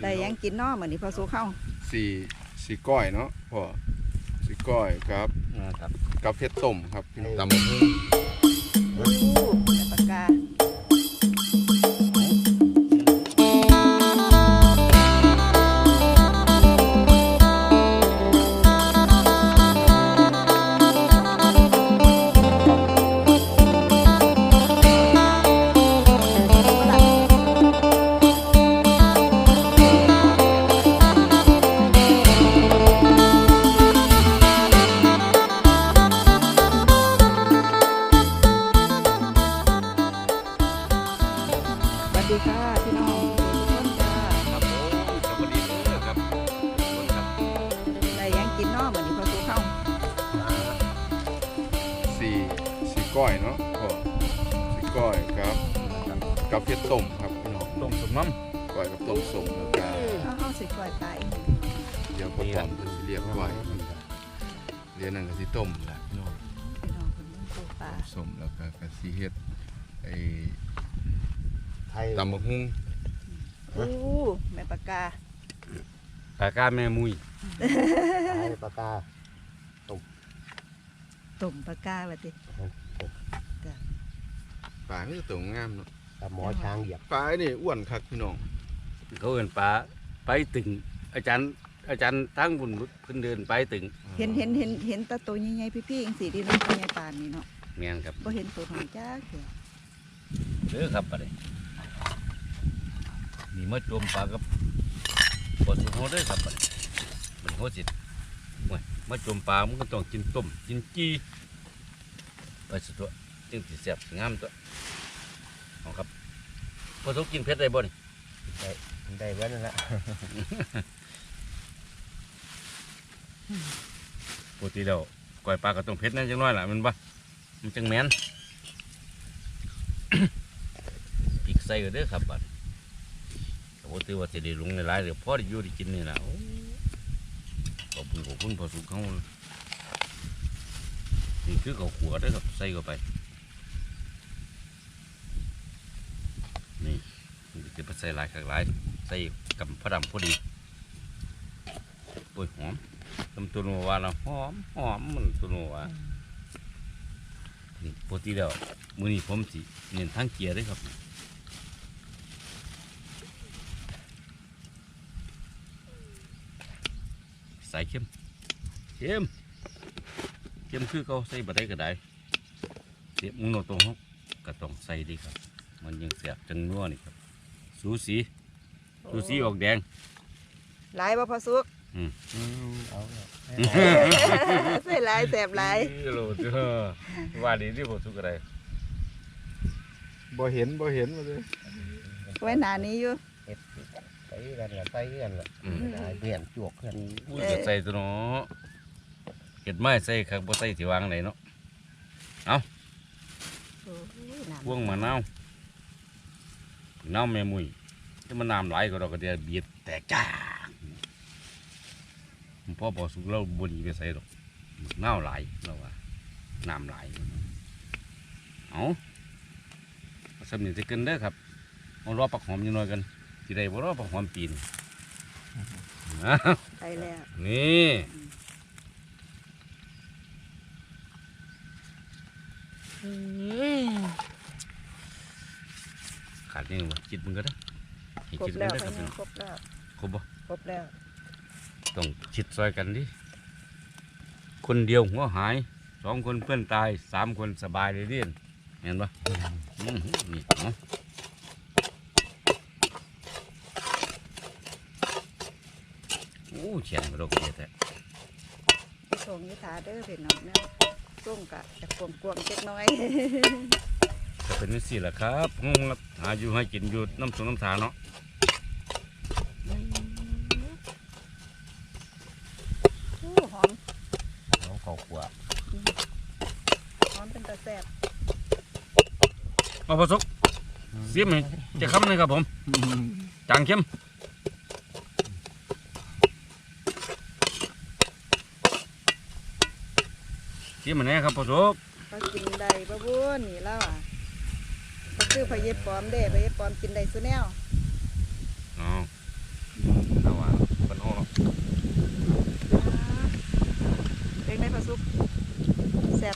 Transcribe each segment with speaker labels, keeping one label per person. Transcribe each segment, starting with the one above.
Speaker 1: ได้ยังกินน้อเหมือนนี่พอสู้เข้า
Speaker 2: สี่ก้อยเนาะพ่อสี่ก้อยครับกับเผ็ดต้มครับตำบักหุ่ง
Speaker 1: ปากกาสวัสดีค่ะพี่น้องทุกคนจ้า
Speaker 2: ครับผมสวัสดีเลยครับ
Speaker 1: ได้ยังกินน้อเหมือนนี่พอสู้เข้า
Speaker 2: สี่ก้อยเนาะพ่อสี่ก้อยครับกับเผ็ดต้มครับพี่น้อง
Speaker 3: ต้มสมน้ำ
Speaker 2: ก้อยกับต้มส้มแล้วก็
Speaker 1: เข้าสิก่อยไต
Speaker 2: เดี๋ยวพ่อต้อมจะเรียกก้อยเรียนนั่นก็สิต้มแหละพี่น้อง
Speaker 1: คนนึงปูปลา
Speaker 2: ส้มแล้วก็สิเฮ็ดไอ้ตำบักหุ่ง
Speaker 1: แม่ปากกา
Speaker 3: แม่มุย
Speaker 4: ปากกา
Speaker 1: ตุ่มปากกาแบบนี้
Speaker 2: ปลาไม่ตัวงามเนาะ
Speaker 4: ปลาหมอช้างเหยียบ
Speaker 2: ปลานี่อ้วนคักพี่น้อง
Speaker 3: เขาเอิ้นปลาไปตึงอาจารย์ทั้งบุญเพิ่นเดินไปตึง
Speaker 1: เห็นตาตัวใหญ่ๆพี่ๆจังซี่ดิน้องตัวใหญ่ปานนี่เนาะ
Speaker 3: แม่นครับ
Speaker 1: บ่เห็นตัวของจ้า
Speaker 3: เด้อครับบัดนี้นี่มาโจมปลากับบ่สุดโหดเด้อครับบัดนี้มันโหดสิโอ้ยมาโจมปลามันก็ต้องกินต้มกินจี้ไปสุดตัวจึงสิแซ่บงามตัวเอาครับพอสุกกินเผ็ดได้บ่นี่
Speaker 4: ได้เว้นนั่นแหละ
Speaker 3: ปกติแล้วก้อยปลาก็ต้องเผ็ดนั่นจังน้อยล่ะมันบ่มันจังแม่นพริกใส่ก็เด้อครับบัดปกติว่าจะได้ลงในหลายเดี๋ยวพอได้อยู่ได้กินนี่นะขอบคุณพอสุกเขานี่คือเขาขัวได้ครับใส่เข้าไปนี่จะไปใส่หลายหลายใส่กับพระดำพอดีโอ้ยหอมทำตัวนัวว่าเราหอมมันตัวนัวว่านี่ปกติแล้วมื้อนี้ผมสิเน้นทั้งเกียร์ด้วยครับใส่เข้มคือเขาใส่บะได้ก็ได้เสียบมุนโนตรงเขาก็ต้องใส่ดีครับมันยังเสียบจังนัวนี่ครับสูสีออกแดง
Speaker 1: หลายบ่พอสุก
Speaker 4: เอา
Speaker 1: ใส่หลายแสบหลาย
Speaker 3: โลดว่าดีที่พอสุกอะไร
Speaker 2: บ่เห็นมาเลย
Speaker 1: ไว้หนานี้อยู่
Speaker 4: ใส่กันละเบี่ยนจวกกัน
Speaker 3: จะใส่ตัวเนาะเห็ดไม้ใส่ครับบ่ใส่ที่วางไหนเนาะเอาพวงมะนาวแม่มุยถ้ามันน้ำไหลก็เราก็จะเบียดแตกจ้าพ่อบอกสุกเราบดีไปใส่หรอกน้ำไหลเราว่าน้ำไหลเอาสำเนียงจะเกินเด้อครับเอารอปักหอมยังน้อยกันที่ใดบ่รอปักหอมปีน
Speaker 1: ไปแล้ว
Speaker 3: นี่ขาดยังวะจิตมึงก็ได้
Speaker 1: ครบแล้วครบแล้ว
Speaker 3: ครบบ่
Speaker 1: ครบแล้ว
Speaker 3: ต้องชิดซอยกันดิคนเดียวหัวหาย2 คนเพื่อนตาย3 คนสบายเลยเรียนเห็นปะนี่เนาะโอ้เฉียนกระโดดกระเด็ดแต่
Speaker 1: ส่งยิถาเด้อเป็นน้องเนี่ยส่งกะจะกวงเล็กน้อย
Speaker 3: จะเป็นวิสิแหละครับหาอยู่ให้กินอยู่น้ำสงน้ำสาเนาะ
Speaker 1: หอม
Speaker 4: ข้าวคั่ว
Speaker 1: หอมเป็นตะแซ่บ
Speaker 3: มาผสมเสียมเลยจะค้ำเลยครับผมจางเข้มเสียมมันแน่ครับผสม
Speaker 1: ก็กินได้ปะบุญนี่แล้วอ่ะก็คือพะเย็บปอมเด้พะเย็บปอมกินได้สุแนว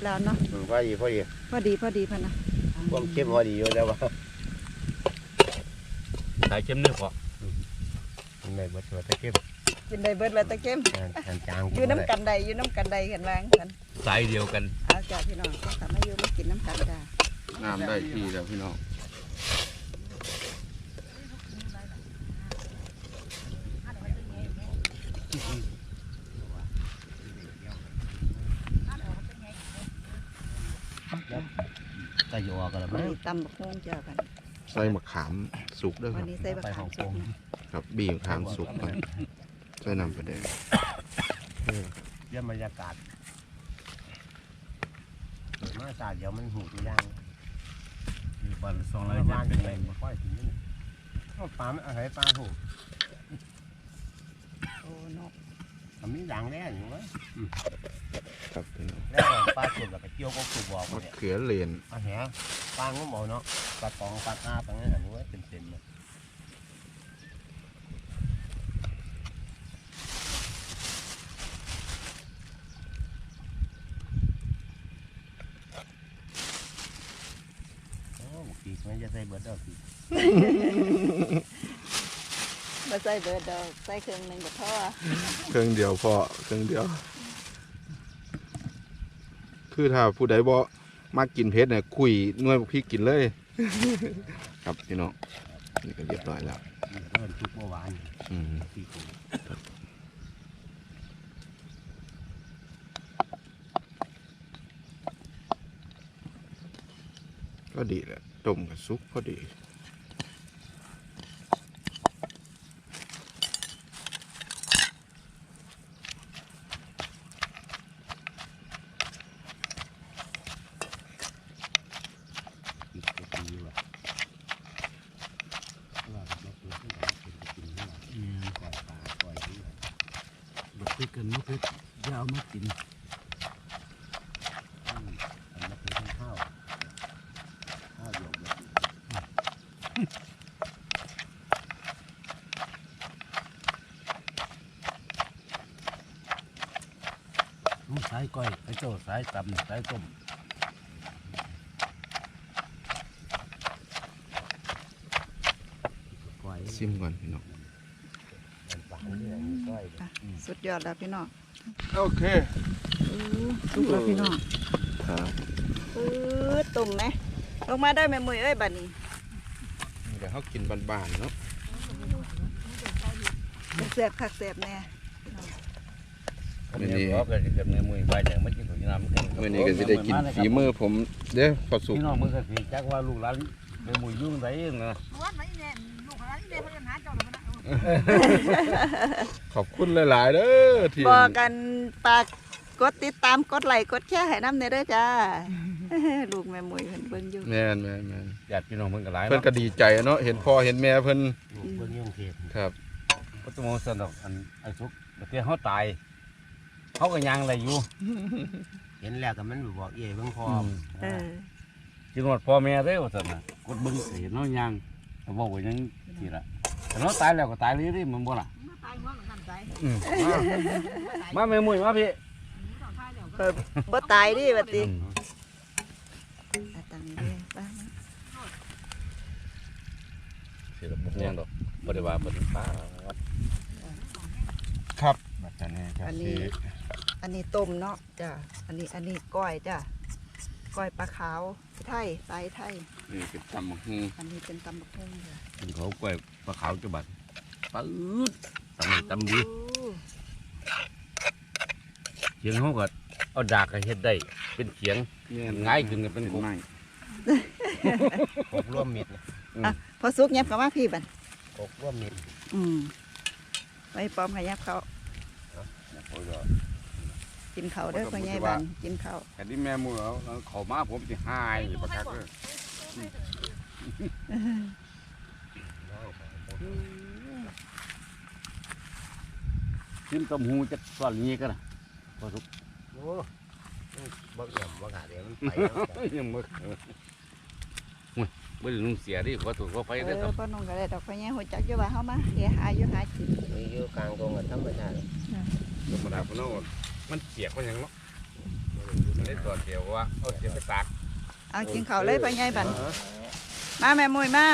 Speaker 1: แล้วเนาะ
Speaker 4: พอดี
Speaker 1: พอดีพะนะ
Speaker 4: ความเข้มพอดีอยู่แล้วว่า
Speaker 3: สายเข้มเนื้อพอ
Speaker 4: ในเบิดตัวตะเข้ม
Speaker 1: กินได้เบิดว่าตะเข้ม
Speaker 4: จาง
Speaker 1: อยู่น้ำกันใดอยู่น้ำกันใดกันวางกัน
Speaker 3: สายเดียวกัน
Speaker 1: เอาจ้าพี่น้องก็กลับมาอยู่มากินน้ำกันจ้า
Speaker 2: น้ำได้ที่แล้วพี่น้อง
Speaker 4: ตะยอกันแล้ว
Speaker 1: วัน
Speaker 4: มั้ง
Speaker 1: นี้ตำบักฮวงจ้ากัน
Speaker 2: ใส่มะขามสุกด้วยค
Speaker 1: วั
Speaker 2: รั
Speaker 1: น
Speaker 2: บ
Speaker 1: นี้ใส่บักขามสุกเนาะ
Speaker 2: ครับบีมะขามสุกครับใส่น้ำปลาแดง
Speaker 4: เยี่ยมบรรยากาศมาศาสตร์เดี๋ยวมันหูตัวย่าง
Speaker 3: วันสอง
Speaker 4: อะไร
Speaker 3: ร้อย
Speaker 4: บ้าน
Speaker 3: เป็
Speaker 4: เป็น น
Speaker 3: ไร
Speaker 4: ไรค่อยถึงนี่ปลาอะไรปลาหู
Speaker 1: โอ้นก
Speaker 4: มีด่างแน่อยู่ไหม
Speaker 2: ครับพี่น้อง
Speaker 4: แล้วปลาสุดแล้วก็เกี่ยวก็สุดบอก
Speaker 2: มะ
Speaker 4: เนี่ย
Speaker 2: เขือเหรียญ
Speaker 4: ปลาแหปลาก็บอกเนาะปลาตองปลากาปลาเนี่ยอันนี้ว่าเต็มเลยโอ้ปีกมันจะใส่เบิร์ดดอกปีก
Speaker 1: มาใส่เบิดดอกใส่เครื่องหนึ่งกับพ่อ
Speaker 2: เครื่องเดียวพอเครื่องเดียว คือถ้าผู้ใดบ่มากินเผ็ดเนี่ยคุยหน่วยพริกกินเลย ครับพี่น้องนี่ก็เรียบร้อยแล้ว
Speaker 4: เริ่มทุกเมื่อวาน
Speaker 2: อืม
Speaker 4: ปีก
Speaker 2: ก็ดีแหละต้มกับซุปพอดี
Speaker 4: ปีกก็ดีว่ะว่าเราตัวที่เราเป็นกินนี่ปล่อยปลาปล่อยนี่
Speaker 3: บักพริกกันมะพริกยาวมากิน
Speaker 4: อันนั้นคือข้าวหยกแบบ
Speaker 3: สายก้อยไอ้เจ้าสายตำสายต้ม
Speaker 4: ปล่อย
Speaker 2: ซิมก่อนพี่น้อง
Speaker 4: ปลาเนี่ยก้อย
Speaker 1: สุดยอดแล้วพี่น้อง
Speaker 2: โอเค
Speaker 1: สุกแล้วพี่น้อง
Speaker 2: ครับ
Speaker 1: ตุ่มไหมลงมาได้ไหมมือเอ้ยบัดนี้
Speaker 2: เดี๋ยวเขากินบานๆเนาะ
Speaker 1: เสียบคักเสียบแน่
Speaker 3: วันนี้ก็จะเกิดมือใบแดงไม่กินของน้ำกัน
Speaker 2: วันนี้ก็จะได้กินฝีมือผมเด้อพอสุก
Speaker 3: พี่น้องมึงก็สิจักว่าลูกหลานไปมุยยุ่งไดนะ
Speaker 2: ขอบคุณหลายๆเด้อที่
Speaker 1: บอกกันปากกดติดตามกดไลค์กดแชร์ให้น้ำเนเด้อจ้า ลูกแม่มวยเพิ่นเบิ่งอยู่
Speaker 2: แม่น
Speaker 3: ญาติพี่น้องเพิ่นก็หลาย
Speaker 2: เพิ่นก็ดีใจเนาะเห็นพ่อเห็นแม่เพิ่น
Speaker 4: เบื้องยุ่งเทพ
Speaker 2: ครับ
Speaker 3: ก็ต้องสนอกอันไอ้สุกเดี๋ยวเขาตายเขาก็ยังอะไรอยู่
Speaker 4: เห็นแล้วก็มันบอกเอ๋เบื้องพอ
Speaker 1: เออ
Speaker 3: จิงหวัดพ่อแม่ได้ว่าซั่นน่ะกดเบิ่งเห็นเนาะยังเขาบอกว่ายังสิล่ะแต่เราตายแล้วก็ตายเลยมันบ่ล่ะมาแม่มุ้ยมาพี่
Speaker 1: เปิดบ่ตายดิบัดนี้ตังนี้เลยป้า
Speaker 3: สิล่ะบ่ยังดอกบ่ได้ว่าบ่ถึงป้า
Speaker 2: ครับบัดนี้ก็
Speaker 1: อัน
Speaker 2: สิ
Speaker 1: นี้ อันนี้ต้มเนาะจ้ะอันนี้ก้อยจ้ะก้อยปลาขาวไทยปลาไทย
Speaker 2: นี่เป็นตำบักหุ่ง
Speaker 1: อันนี้เป็นตำบักหุ่งจ้ะ
Speaker 3: กินเขากล้วยปลาขาวจังบัดปื๊ดตำดี
Speaker 1: โอ้
Speaker 3: เขียงเขาก็เอาดากก็เฮ็ดได้เป็นเขียง ง่ายขึ้นก็เป็น
Speaker 2: ไม้
Speaker 4: กบร่วมมิด
Speaker 1: พอสุกเงียบกับมาพี่บัด
Speaker 4: กบร่วมมิด
Speaker 1: ไว้ปลอมขยับเขากินเขาวเด้อพ่อใหญ่บันกินเขาว
Speaker 2: แต่ที่แม่มือเอาเขามาผมสิหายประคักเด้อ
Speaker 3: กินต้มหูจักส่วนนี้ก็นะพอสุก
Speaker 4: โอ้บักยำบักหาเดี๋ยวมันไป
Speaker 3: ยังบ่บ่ได้นุ่งเสียดิขอถูกขอไฟได้อครับ
Speaker 1: พ่อนุ่งก็ได้ดอกพ่อใหญ่หัวจักอยู่ว่าเฮามาเฮียหาอยู่หากิน
Speaker 4: มีอยู่กลางตรงกับธรรมชาติ
Speaker 2: ธรรมดาพวกเรามันเปียกมันหยังเนาะ
Speaker 3: ได้ตัวเดียวว่าเอาเสียไปตาก
Speaker 1: เอากินข้าวเลยพ่อใหญ่บันมาแม่มุ้ยมา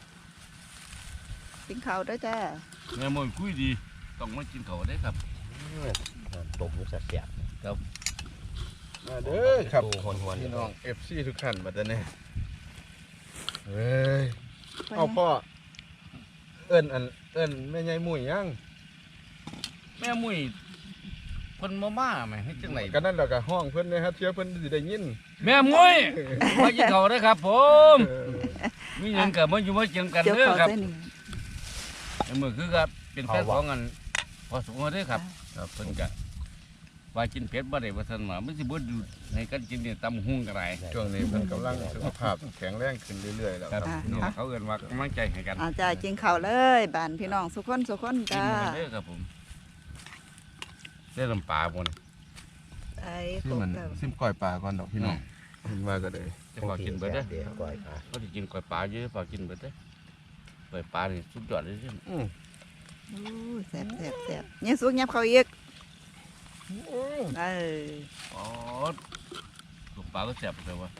Speaker 1: กินข้าวด้วยจ้า
Speaker 3: แม่มวยคุยดีต้องมากินเขาได้ครับ
Speaker 4: ตบมันเสียบ
Speaker 2: มาเด้อครับ
Speaker 4: หวน
Speaker 2: พี่น้อง FC ทุกท่านบัดนี้เฮ้ยเอาพ่อเอิ้นแม่ใหญ่มุ้ยยัง
Speaker 3: แม่มวยคนมาไหมให้จังไหน
Speaker 2: ก็นั่นแหละก็ห้องเพิ่นนะฮะเชื่อเพิ่นสิได้ยิน
Speaker 3: แม่มวยมากินเขาได้ครับผมมีเงินกับมาอยู่มาเจียงกัน
Speaker 1: เดี๋ยว
Speaker 3: เด้อ
Speaker 1: ขอ
Speaker 3: ครับ
Speaker 1: เส้นหนึ่ง
Speaker 3: แม่มวยคือครับเป็นแฟนของกันพอสมควรเด้อครับครับเพิ่นก็ว่ากินเผ็ดบ่ได้ว่าซั่นว่ามันสิบ่อยู่ในกันกินเนี่ยตำหุ่งกระไร
Speaker 2: ช่วงนี้เพิ่นกำลังสุขภาพแข็งแรงขึ้นเรื่อยๆแล้ว
Speaker 3: ครับ
Speaker 2: ครับ
Speaker 3: นี่เขาเอิ้นว่ากำลังใจให้กัน
Speaker 1: อาจ้ากินข้าวเลยบ้านพี่น้องสุขคนสุขคน
Speaker 3: กิน
Speaker 1: จ้า
Speaker 3: กันเด้อครับผมได้ลำปลาบ่นี่
Speaker 1: ไอ้
Speaker 2: ที่มันซิมก้อยปลาก่อนดอกพี่น้องเห็นว่าก็ได้
Speaker 3: จะพอกินเบิดเด้อ
Speaker 4: เดี๋ยวก่อยขา
Speaker 3: เขาสิกินก๋วยปลาเยอะพอกินเบิดเด้อก๋วยปลานี่สุดยอดเลยเด้อ
Speaker 2: อือ
Speaker 1: โอ้ยแซ่บแซ่บแซ่บเนี่ยสุกยับเขาอีกเออ
Speaker 3: อ๋อลูกปลาก็แซ่บเลยว่ะ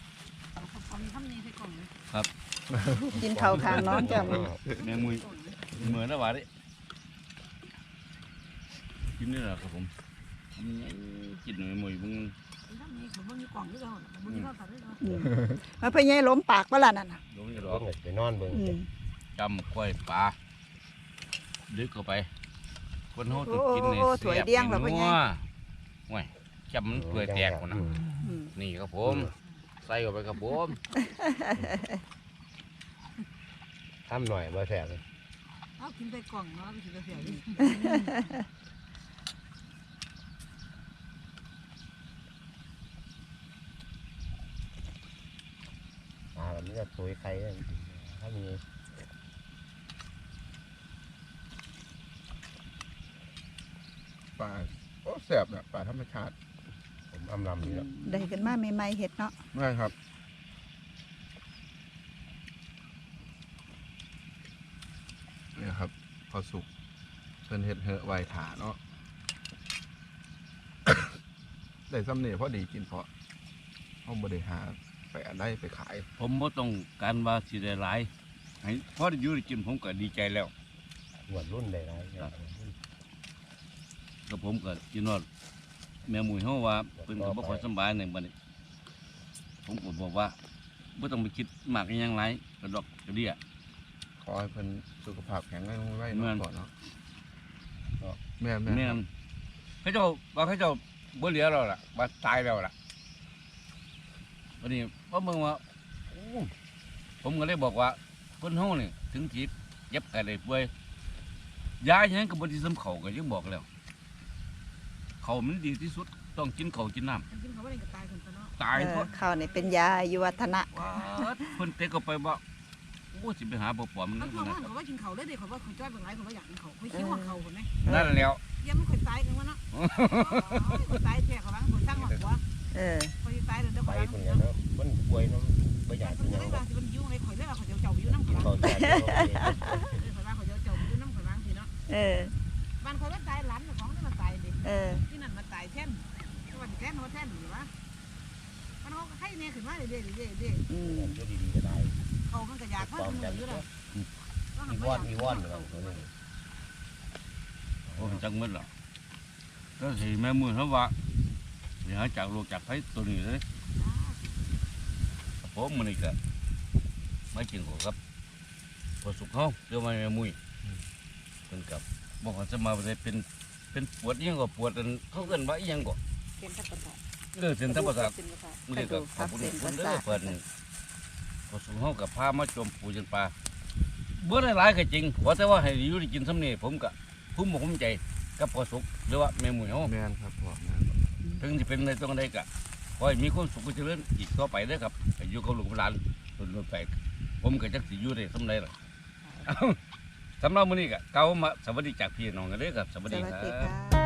Speaker 1: กินข้าวทางน้องจ้า
Speaker 3: แมงมุยเหมือนนะวะดิกินนี่แหละครับผมกินแมงมุยมึง
Speaker 1: มาพ่อใหญ่ล้มปากเปล่านั่นน่ะ
Speaker 3: ลงจะร
Speaker 4: ร้
Speaker 3: อ
Speaker 4: องไปนอนเบิ่ง
Speaker 1: อืม
Speaker 3: จำกล้วยปลาลึกเข้าไปคนเขาต้องกินใน
Speaker 1: โอ้ถวยเดี้ยงเหรอพ่อใหญ่
Speaker 3: ว้ยจำมันเปื่อยแตกหมดนะ
Speaker 1: อืม
Speaker 3: นี่ครับผมใส่เข้าไปครับผม
Speaker 4: ทำหน่อยบ่แซ่บเลย
Speaker 5: เอากินไปกล่องเนาะไปกินไปเสียดิ
Speaker 4: แบบนี้จะสวยใครถ้ามี
Speaker 2: ปลาโอ้แซ่บน่ะปลาธรรมชาติ
Speaker 4: ผมอำลำอยู่แล้ว
Speaker 1: ได้กันมาใหม่ๆเห็ดเนาะ
Speaker 2: ได้ครับเนี่ยครับพอสุกเพิ่นเฮ็ดเหอะไว้ถาเนาะ ได้ซ้ำนี่พอดีกินเพราะเฮาบ่ได้หาไปอันใดไปขาย
Speaker 3: ผมบ่ต้องการว่าสิได้หลายให้พอได้อยู่ได้กินผมก็ดีใจแล้ว
Speaker 4: หวดรุ่นได้ไร
Speaker 3: แล้วผมก็กินว่าแม่หมูเฮาว่าเพิ่นก็บ่ค่อยสำบายในบัดนี้ผมก็บอกว่าบ่ต้องไปคิดมากอหยังหลายกระดอกกระเดี่ย
Speaker 2: ขอให้เพิ่นสุขภาพแข็งแรงไว้
Speaker 3: แม่
Speaker 2: เนาะ
Speaker 3: น
Speaker 2: ก่อนเนาะแม่น
Speaker 3: แม่นเขาเจ้าว่าเขาเจ้าบ่เหลือแล้วล่ะว่าตายแล้วล่ะวันนี้เพราะมึงว่าโอ้ผมก็เลยบอกว่าคนเฮานี่ถึงสิเจ็บกันได้ป่วยยาหยังก็บ่สิสำเขาก็ยังบอกแล้วเขามันดีที่สุดต้องกินข้าวกินน้ำ
Speaker 5: กินเขาว่าอะไรก็ตายคนซะเนาะ
Speaker 3: ตาย
Speaker 1: เอ
Speaker 3: ท
Speaker 1: อ
Speaker 3: ด
Speaker 1: ข้าวนี่เป็นยาอายุวัฒนะ
Speaker 3: ว้าดเพิ่นเตะก็ไปบ่โอ้สิไปหาบ่ปอมมัน
Speaker 5: เขา
Speaker 3: นั่น
Speaker 5: เขา
Speaker 3: นะ
Speaker 5: ว่าเขาว่ากินเขาเลยเด็กเขาว่าเขาจ้อยบางไรเขาว่าอยากกินเขาเขาคิดว่าเขาคนไหม
Speaker 3: นั่นแล้ว
Speaker 5: ยังไม่เคยตายกันวะเนาะคนตายแท้เขาบ้างคนสร้างหัว
Speaker 1: เออ
Speaker 5: คนตายเดี๋ยว
Speaker 4: ไป
Speaker 5: เขา
Speaker 4: คนเดียวเนาะมันป่วยเนาะไม่อยาก
Speaker 5: ค
Speaker 4: กิ
Speaker 5: น
Speaker 4: น
Speaker 5: จะ
Speaker 4: ยัง
Speaker 5: ได้บางทีมันยุ่งเลยข่อยเลยว่าเขาจะเจ้าอยู่น้ำ
Speaker 4: กิน
Speaker 5: เขา
Speaker 4: ข้าวแซ่บ
Speaker 5: ข่อยว่าเขาจะเจ้าอยู่น้ำข่อยบ้างทีเนาะ
Speaker 1: เออ
Speaker 5: บ้านเขาว่าตายหลานของนี่มาตายดิ
Speaker 1: เออ
Speaker 5: ที่นั่นมาตายแท่นที่วันแท่นว่าแท่นหรือวะมันเขาให้เนี่ยขึ้นมาเรื่อยๆ
Speaker 1: อืม
Speaker 4: อยู่ดีๆก็ได้
Speaker 5: เขามันก็อยากมัน
Speaker 4: ความ
Speaker 5: เหนื่อย
Speaker 4: จำ
Speaker 5: อยู่
Speaker 4: ก็
Speaker 5: แล้ว
Speaker 4: มีว่อนอยู่แล้วตัวนี้
Speaker 3: โอ้จังหมดล่ะก็สิแม่มือเฮาว่าสิหาจากโลกจากภัยตัวนี้เลยผมมื้อนี้ก็มากินข้าวครับพอสุกเฮาเดี๋ยวมาแม่มุ้ยเพิ่นกับบ่ว่าจะมาได้เป็นปวดอีหยังก็ปวดอันเขาเอิ้นว่าอีหยังก็
Speaker 5: เป็นทับประสาท
Speaker 3: เส้นทับประสาท
Speaker 5: เป็นประสาท
Speaker 3: มื้อนี้ก็ขอบคุณคุณเด้อเพิ่นพอสุกเฮากับพามาจมปูจนปลาบ่ได้หลายก็จริงขอแต่ว่าให้อยู่ได้กินซำนี้ผมก็ภูมิอกภูมิใจกับพอสุกหรือว่าแม่มุ้ยเฮา
Speaker 2: แม่นครับพ่อแม่น
Speaker 3: ถึงจะเป็นในตรงใดก็ขอให้มีความสุขเจริญอีกต่อไปเด้อครับให้อยู่กับลูกกับหลานรุ่นไปผมก็จักสิอยู่ได้สำไรล่ะ สำหรับมื้อนี้ก็เก่ามาสวัสดีจากพี่น้องกันเด้อครับสวัส
Speaker 1: ส
Speaker 3: ดี
Speaker 1: วัส
Speaker 3: ครั
Speaker 1: ดี
Speaker 3: บ
Speaker 1: ค่ะ